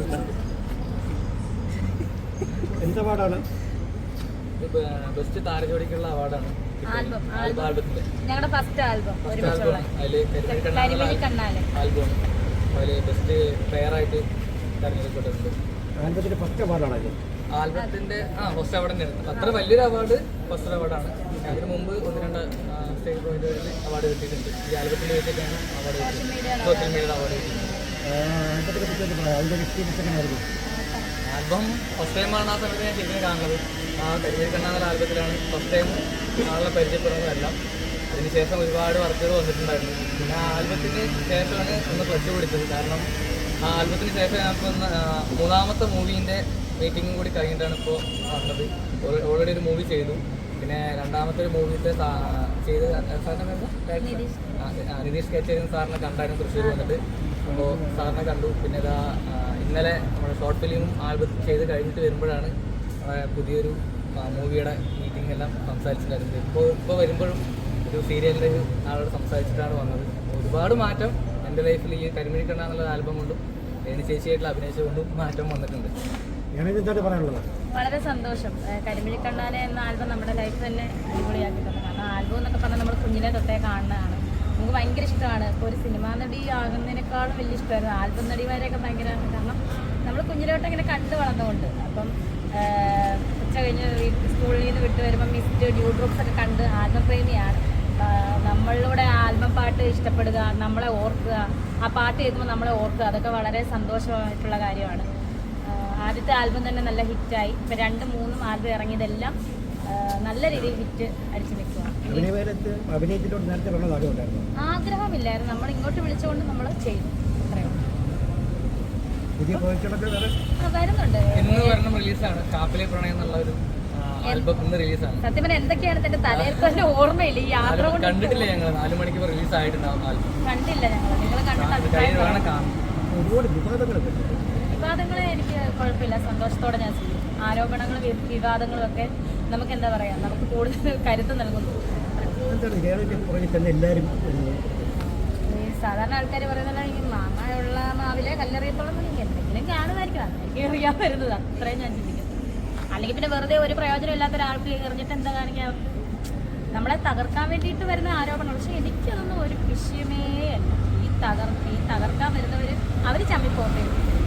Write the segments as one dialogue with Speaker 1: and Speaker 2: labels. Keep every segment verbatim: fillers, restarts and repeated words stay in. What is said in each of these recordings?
Speaker 1: എന്ത് അവാർഡാണ്?
Speaker 2: ബെസ്റ്റ് താരജോടിക്കുള്ള അവാർഡാണ്
Speaker 3: ഞങ്ങളുടെ ഫസ്റ്റ് ആൽബം
Speaker 2: ആൽബം അതിൽ ബെസ്റ്റ് പെയറായിട്ട് തെരഞ്ഞെടുക്കപ്പെട്ടിട്ടുണ്ട്.
Speaker 1: ആൽബത്തിന്റെ ഫസ്റ്റ് അവാർഡാണ്
Speaker 2: ആൽബത്തിന്റെ ആ ഫസ്റ്റ് അവാർഡ് തന്നെയാണ്. അത്ര വലിയൊരു അവാർഡ് ഫസ്റ്റ് അവാർഡാണ്. അതിന് മുമ്പ് ഒന്ന് രണ്ട് സ്റ്റേറ്റ് പോയിന്റുകളിൽ അവാർഡ് കിട്ടിയിട്ടുണ്ട്. ഈ ആൽബത്തിന് വേണ്ടിയിട്ടാണ് അവാർഡ് കിട്ടിയത്, സോഷ്യൽ മീഡിയ അവാർഡ് കിട്ടിയിട്ടുണ്ട്. ആൽബം ഫസ്റ്റ് ടൈമാണ് ആ സമയത്ത് ഞാൻ ശരിക്കും കാണുന്നത്. ആ കരിമീരി കണ്ണാന്ന ആൽബത്തിലാണ് ഫസ്റ്റ് ടൈം ആളെ പരിചയപ്പെടുന്നതെല്ലാം. അതിനുശേഷം ഒരുപാട് വർക്കുകൾ വന്നിട്ടുണ്ടായിരുന്നു. പിന്നെ ആ ആൽബത്തിന് ശേഷമാണ് ഒന്ന് ക്ലച്ച് പിടിച്ചത്. കാരണം ആ ആൽബത്തിന് ശേഷം ഞാനിപ്പോൾ മൂന്നാമത്തെ മൂവീൻ്റെ മീറ്റിങ്ങും കൂടി കഴിഞ്ഞിട്ടാണ് ഇപ്പോൾ വന്നത്. ഓൾറെഡി ഒരു മൂവി ചെയ്തു. പിന്നെ രണ്ടാമത്തെ ഒരു മൂവിത്തെ ചെയ്ത് സാറിനെ നിതീഷ് കച്ചേരി സാറിനെ കണ്ടായിരുന്നു തൃശ്ശൂർ വന്നിട്ട്. അപ്പോൾ സാറിനെ കണ്ടു. പിന്നെ ഇതാ ഇന്നലെ നമ്മുടെ ഷോർട്ട് ഫിലിമും ആൽബം ചെയ്ത് കഴിഞ്ഞിട്ട് വരുമ്പോഴാണ് പുതിയൊരു മൂവിയുടെ മീറ്റിംഗ് എല്ലാം സംസാരിച്ചിട്ടുണ്ടായിരുന്നത്. ഇപ്പോൾ ഇപ്പോൾ വരുമ്പോഴും ഒരു സീരിയലിൻ്റെ ഒരു ആളോട് സംസാരിച്ചിട്ടാണ് വന്നത്. ഒരുപാട് മാറ്റം എൻ്റെ ലൈഫിൽ ഈ കരിമിഴി കണ്ണ എന്നുള്ള ആൽബം കൊണ്ടും ഏണി ചേച്ചിയായിട്ടുള്ള അഭിനയിച്ചുകൊണ്ടും മാറ്റം വന്നിട്ടുണ്ട്.
Speaker 3: വളരെ സന്തോഷം. കരിമിഴി കണ്ണാനെ എന്ന ആൽബം നമ്മുടെ ലൈഫ് തന്നെ അടിപൊളിയാക്കിയിട്ടുണ്ട്. കാരണം ആൽബം എന്നൊക്കെ പറഞ്ഞാൽ നമ്മൾ കുഞ്ഞിലെ തൊട്ടേ കാണുന്നതാണ്. നമുക്ക് ഭയങ്കര ഇഷ്ടമാണ്. ഇപ്പോൾ ഒരു സിനിമാ നടി ആകുന്നതിനേക്കാളും വലിയ ഇഷ്ടമായിരുന്നു ആൽബം നടിമാരെയൊക്കെ ഭയങ്കര. കാരണം നമ്മൾ കുഞ്ഞിലോട്ട് ഇങ്ങനെ കണ്ടു വളർന്നുകൊണ്ട് അപ്പം ഉച്ച കഴിഞ്ഞ് സ്കൂളിൽ നിന്ന് വിട്ട് വരുമ്പോൾ മിസ്റ്റ് ഡ്യൂ ഡ്രോപ്സ് ഒക്കെ കണ്ട് ആൽബം പ്രേമിയാണ്. നമ്മളിലൂടെ ആൽബം പാട്ട് ഇഷ്ടപ്പെടുക, നമ്മളെ ഓർക്കുക, ആ പാട്ട് കേൾക്കുമ്പോൾ നമ്മളെ ഓർക്കുക, അതൊക്കെ വളരെ സന്തോഷമായിട്ടുള്ള കാര്യമാണ്. ആദ്യത്തെ ആൽബം തന്നെ നല്ല ഹിറ്റായി. ഇപ്പം രണ്ട് മൂന്നും ആൽബം ഇറങ്ങിയതെല്ലാം നല്ല രീതിയിൽ ഹിറ്റ് അടിച്ചു നിൽക്കുകയാണ്. ആഗ്രഹമില്ലായിരുന്നു, നമ്മൾ ഇങ്ങോട്ട് വിളിച്ചുകൊണ്ട് നമ്മൾ ചെയ്തു. അത്രയോ വരുന്നുണ്ട്. സത്യം പറഞ്ഞാൽ എന്തൊക്കെയാണ് എന്റെ തലയിൽക്ക് തന്നെ ഓർമ്മയില്ല. ഈ യാത്ര
Speaker 2: കണ്ടിട്ടില്ല ഞങ്ങൾ. നാല് മണിക്ക് റിലീസ് ആയിട്ടുണ്ടാവും.
Speaker 3: കണ്ടില്ല ഞങ്ങൾ. നിങ്ങൾ കണ്ടിട്ട് വിവാദങ്ങളെ എനിക്ക് കുഴപ്പമില്ല, സന്തോഷത്തോടെ ഞാൻ ചെയ്യും. ആരോപണങ്ങളും വിവാദങ്ങളും ഒക്കെ നമുക്ക് എന്താ പറയാ, നമുക്ക് കൂടുതൽ കരുത്ത് നൽകുന്നു. ഈ സാധാരണ ആൾക്കാർ പറയുന്നത് ഈ മാങ്ങയുള്ള മാവിലെ കല്ലെറിയത്തോളം എന്തെങ്കിലും കാണുമായിരിക്കും. എനിക്ക് എറിയാൻ വരുന്നത് അത്രയും ഞാൻ ചിന്തിക്കുന്നു. അല്ലെങ്കിൽ പിന്നെ വെറുതെ ഒരു പ്രയോജനം ഇല്ലാത്ത ഒരാൾക്ക് എറിഞ്ഞിട്ട് എന്താ കാണിക്കാൻ? നമ്മളെ തകർക്കാൻ വേണ്ടിയിട്ട് വരുന്ന ആരോപണം. പക്ഷെ എനിക്കതൊന്നും ഒരു വിഷയമേ അല്ല. ഈ തകർ ഈ തകർക്കാൻ വരുന്നവർ അവർ ചമ്മിപ്പോട്ടെ.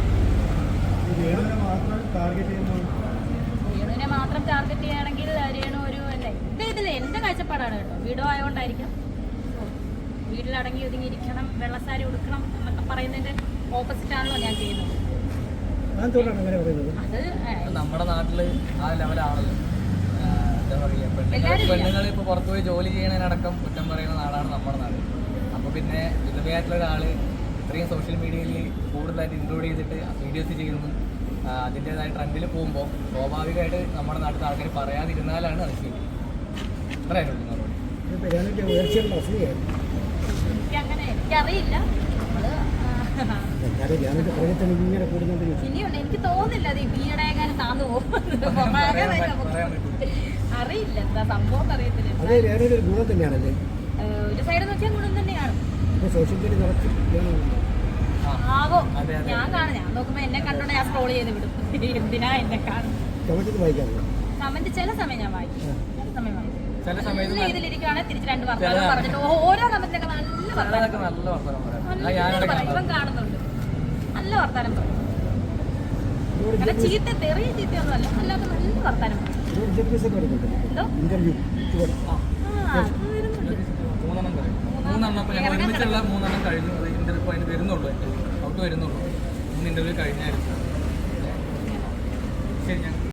Speaker 3: രേണുവിനെ മാത്രം ടാർഗറ്റ് ചെയ്യുകയാണെങ്കിൽ രേണു ഒരു എൻ്റെ ഇതിൽ എൻ്റെ കാഴ്ചപ്പാടാണ് കേട്ടോ. വീടോ ആയതുകൊണ്ടായിരിക്കാം. വീട്ടിലടങ്ങി ഒതുങ്ങിയിരിക്കണം, വെള്ളസാരി ഉടുക്കണം എന്നൊക്കെ പറയുന്നതിൻ്റെ ഓപ്പോസിറ്റാണല്ലോ ഞാൻ ചെയ്യുന്നത്.
Speaker 2: അത് നമ്മുടെ നാട്ടില് ആ ലെവലാണല്ലോ. എന്താ പറയുക, പെണ്ണുങ്ങൾ പെണ്ണുങ്ങൾ ഇപ്പോൾ പുറത്തുപോയി ജോലി ചെയ്യണതിനടക്കം കുറ്റം പറയുന്ന നാടാണ് നമ്മുടെ നാട്. അപ്പോൾ പിന്നെ വിധവയായിട്ടുള്ള ഒരാൾ ഇത്രയും സോഷ്യൽ മീഡിയയിൽ കൂടുതലായിട്ട് ഇൻക്ലൂഡ് ചെയ്തിട്ട് വീഡിയോസ് ചെയ്യുന്നു, അതിൻ്റെതായ ട്രെൻഡിൽ പോകുമ്പോൾ സ്വാഭാവികമായിട്ട് നമ്മുടെ നാട്ടിൽ ആൾക്കാർ പറയാതിരുന്നാലാണ് അത് ശരി. അത്രയായിട്ടുള്ളൂ മറുപടി.
Speaker 3: എനിക്കങ്ങനെ എനിക്കറിയില്ല. ഇനിയുണ്ട്, എനിക്ക് തോന്നുന്നില്ല അത് ഈയിടെ എങ്ങനെ താന്നു പോകും. അറിയില്ല എന്താ സംഭവം അറിയത്തില്ല. ഒരു സൈഡ് നോക്കിയാൽ ഗുണം തന്നെയാണ്. ആവോ ഞാൻ കാണും. ഞാൻ നോക്കുമ്പോ എന്നെ കണ്ടോണ്ട് ഞാൻ സ്ക്രോൾ ചെയ്ത് വിടും. എന്തിനാ എന്നെ കാണും. കമന്റ് ചില സമയം ഞാൻ വായിക്കും, ചില സമയം വായിക്കും. നല്ല ഇതിലിരിക്കുകയാണെങ്കിൽ തിരിച്ച് രണ്ട് വർത്തമാനം പറഞ്ഞിട്ട് ഓരോ കമന്റിലൊക്കെ നല്ല വർത്തമാനം ഇപ്പം കാണുന്നുണ്ട്. നല്ല വർത്താനം പറയും. അങ്ങനെ ചീത്ത തെറിയ ചീത്തയൊന്നും അല്ല, അല്ലാതെ നല്ല വർത്താനം പറയും. എന്തോ
Speaker 2: മൂന്നെണ്ണം മൂന്നെണ്ണം ഇപ്പൊ ഞങ്ങൾ ഒരുമിച്ചുള്ള മൂന്നെണ്ണം കഴിഞ്ഞു. അത് ഇന്റർവ്യൂ അതിന് വരുന്നുള്ളൂ, ഔട്ട് വരുന്നുള്ളൂ. മൂന്ന് ഇന്റർവ്യൂ കഴിഞ്ഞായിരുന്നു. ശരി. ഞാൻ